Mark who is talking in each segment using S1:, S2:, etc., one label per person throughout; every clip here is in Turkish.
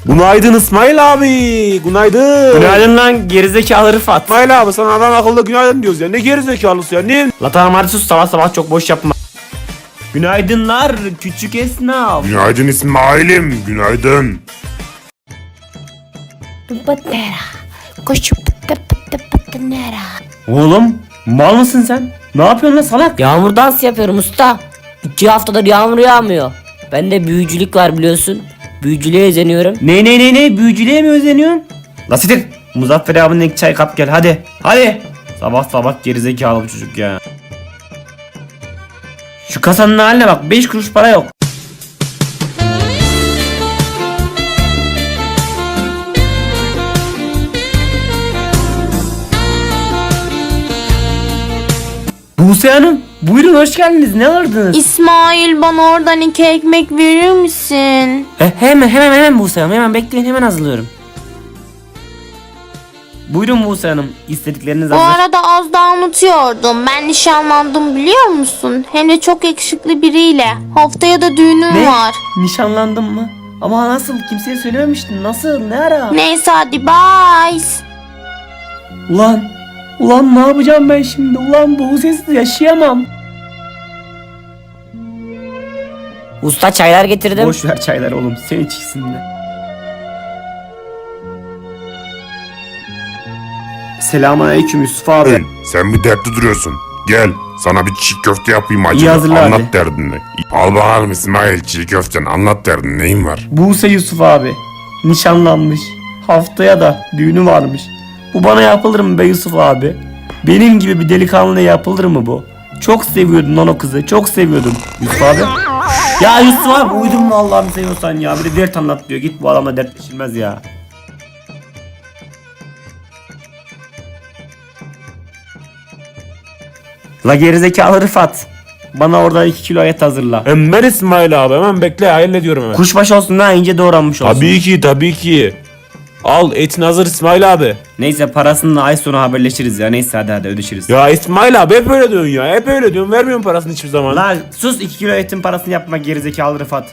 S1: Günaydın İsmail abi. Günaydın.
S2: Günaydın lan gerizekalı Rıfat.
S1: İsmail abi sana adam akıllı günaydın diyoruz ya. Ne gerizekalısı ya? Ne?
S2: La tamam hadi sus, sabah sabah çok boş yapma. Günaydınlar küçük esnaf.
S3: Günaydın İsmail'im, günaydın.
S4: Patera, koşu pıtı pıtı pıtı nera.
S2: Oğlum mal mısın sen? Ne yapıyorsun lan salak?
S4: Yağmur dans yapıyorum usta. 2 haftadır yağmur yağmıyor. Bende büyücülük var biliyorsun. Büyücülüğe özeniyorum.
S2: Ne büyücülüğe mi özeniyorsun? La sitir. Muzaffer abinin iki çay kap gel hadi. Hadi. Sabah sabah gerizekalı bu çocuk ya. Şu kasanın haline bak, 5 kuruş para yok. Buse Hanım, buyurun hoş geldiniz. Ne aradınız?
S5: İsmail, bana oradan 2 ekmek verir misin?
S2: Hemen Buse Hanım, hemen bekleyin, hemen hazırlıyorum. Buyurun Buse Hanım, istedikleriniz
S5: Bu
S2: hazır.
S5: arada az daha unutuyordum. Ben nişanlandım biliyor musun? Hem de çok yakışıklı biriyle. Haftaya da düğünüm
S2: Ne?
S5: var.
S2: Nişanlandın mı? Ama nasıl? Kimseye söylememiştin. Nasıl? Ne ara?
S5: Neyse hadi bye.
S2: Ulan ne yapacağım ben şimdi? Ulan bu sessiz yaşayamam.
S4: Usta çaylar getirdim.
S2: Boş ver çayları oğlum, sen içsin de. Selamünaleyküm Yusuf abi.
S3: Hey, sen bir dertli duruyorsun. Gel, sana bir çiğ köfte yapayım acaba.
S2: hazırla
S3: Anlat
S2: hadi.
S3: derdini. Al bakalım İsmail, çiğ köften anlat derdini, neyin var?
S2: Buse Yusuf abi nişanlanmış. Haftaya da düğünü varmış. Bu bana yapılır mı be Yusuf abi? Benim gibi bir delikanlıya yapılır mı bu? Çok seviyordun lan o kızı. Çok seviyordun Yusuf abi. Ya Yusuf abi uydurma Allah'ını seviyorsan ya. Bir de dert anlat diyor. Git bu adamla dertleşilmez ya. La gerizekalı Rıfat. Bana oradan 2 kilo et hazırla.
S1: Hemen İsmail abi hemen bekle hallediyorum hemen.
S2: Kuşbaşı olsun daha ince doğranmış olsun.
S1: Tabii ki. Al etin hazır İsmail abi.
S2: Neyse parasını ay sonu haberleşiriz ya. Neyse hadi ödeşiriz.
S1: Ya İsmail abi hep öyle diyorsun ya. Hep öyle diyorsun. Vermiyorsun parasını hiçbir zaman.
S2: Lan sus, 2 kilo etin parasını yapma gerizekalı Rıfat.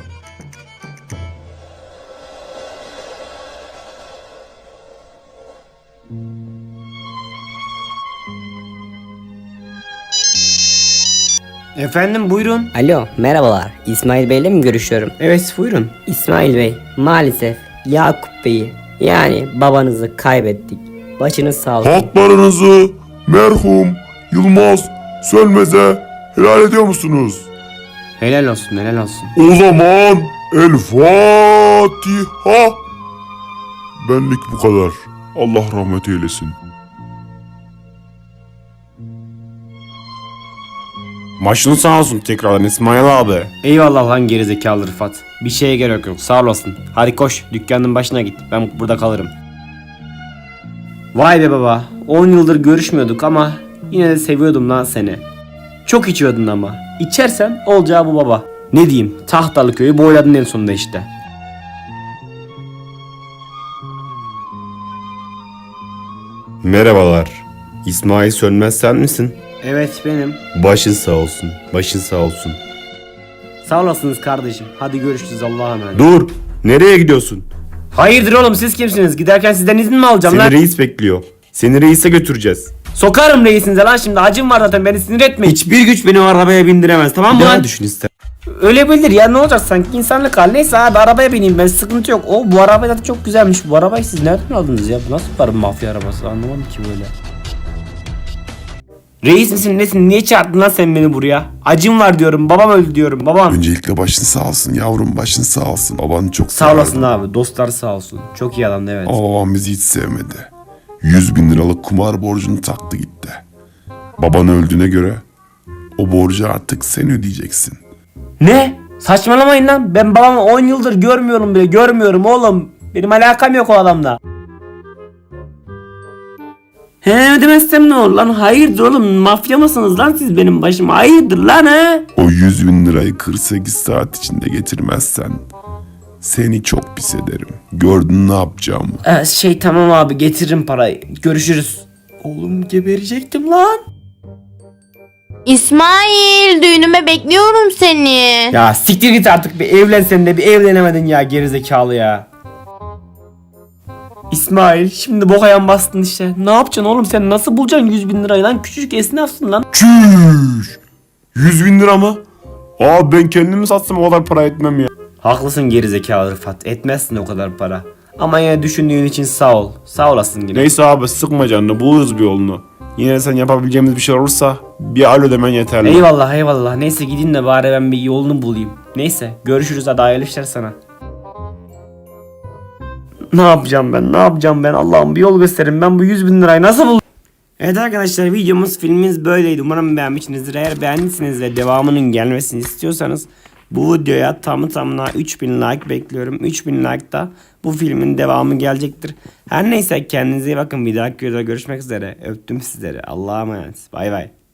S2: Efendim buyurun.
S4: Alo merhabalar. İsmail Bey'le mi görüşüyorum?
S2: Evet buyurun.
S4: İsmail Bey maalesef Yakup Bey'i yani babanızı kaybettik. Başınız sağ olsun.
S3: Haklarınızı merhum Yılmaz Sönmez'e helal ediyor musunuz?
S2: Helal olsun helal olsun.
S3: O zaman El Fatiha. Benlik bu kadar. Allah rahmet eylesin.
S1: Başın sağ olsun tekrardan İsmail abi.
S2: Eyvallah lan gerizekalı Rıfat. Bir şeye gerek yok, sağ olasın. Hadi koş dükkanın başına git, ben burada kalırım. Vay be baba, 10 yıldır görüşmüyorduk ama yine de seviyordum lan seni. Çok içiyordun ama. İçersen olacağı bu baba. Ne diyeyim, Tahtalı köyü boyladın en sonunda işte.
S6: Merhabalar. İsmail Sönmez sen misin?
S2: Evet benim.
S6: Başın sağ olsun. Başın sağ olsun.
S2: Sağ olasınız kardeşim. Hadi görüşürüz, Allah'a emanet.
S6: Dur. Nereye gidiyorsun?
S2: Hayırdır oğlum, siz kimsiniz? Giderken sizden izin mi alacağım
S6: Seni
S2: lan?
S6: reis bekliyor. Seni reise götüreceğiz.
S2: Sokarım reisinize lan şimdi. Acım var zaten, beni sinir etmeyin. Hiçbir güç beni o arabaya bindiremez, tamam mı
S6: Bir
S2: lan?
S6: daha düşün ister.
S2: Öyle bilir ya, ne olacak sanki insanlık hal. Neyse abi arabaya bineyim ben, sıkıntı yok. O bu araba da çok güzelmiş. Bu arabayı siz nereden aldınız ya? Bu nasıl bir mafya arabası, anlamadım ki böyle. Reis misin nesin? Niye çağırdın lan sen beni buraya? Acım var diyorum, babam öldü diyorum, babam.
S3: Öncelikle başın sağ olsun yavrum, başın sağ olsun. Babanı çok
S2: Sağ olasın abi, dostlar sağ olsun. Çok iyi adamdı evet.
S3: Ama babam bizi hiç sevmedi. 100.000 liralık kumar borcunu taktı gitti. Baban öldüğüne göre o borcu artık sen ödeyeceksin.
S2: Ne? Saçmalamayın lan, ben babamı 10 yıldır görmüyorum bile, görmüyorum oğlum. Benim alakam yok o adamla. He demezsem ne olur lan? Hayırdır oğlum, mafya mısınız lan siz benim başıma? Hayırdır lan he?
S3: O 100.000 lirayı 48 saat içinde getirmezsen seni çok pis ederim. Gördün ne yapacağımı.
S2: Tamam abi, getiririm parayı. Görüşürüz. Oğlum geberecektim lan.
S5: İsmail, düğünüme bekliyorum seni.
S2: Ya siktir git artık, bir evlen sen de, bir evlenemedin ya gerizekalı ya. İsmail şimdi bok ayağın bastın işte. Ne yapacaksın oğlum sen nasıl bulacaksın 100 bin lirayı lan? Küçücük esnafsın lan.
S6: Çüş! 100 bin lira mı? Aa ben kendimi satsam o kadar para etmem ya.
S2: Haklısın gerizekalı Rıfat. Etmezsin o kadar para. Ama yine düşündüğün için sağ ol. Sağ olasın yine.
S6: Neyse abi sıkma canını buluruz bir yolunu. Yine de sen yapabileceğimiz bir şey olursa bir alo demen yeterli.
S2: Eyvallah eyvallah. Neyse gidin de bari ben bir yolunu bulayım. Neyse görüşürüz hadi hayırlı işler sana. Ne yapacağım ben Allah'ım bir yol gösterin ben bu 100 bin lirayı nasıl bul... Evet arkadaşlar videomuz filmimiz böyleydi. Umarım beğenmişsinizdir. Eğer beğendiyseniz ve devamının gelmesini istiyorsanız bu videoya tamına 3000 like bekliyorum. 3000 like'da bu filmin devamı gelecektir. Her neyse kendinize iyi bakın. Bir dahaki videoda görüşmek üzere. Öptüm sizleri. Allah'a emanet. Bay bay.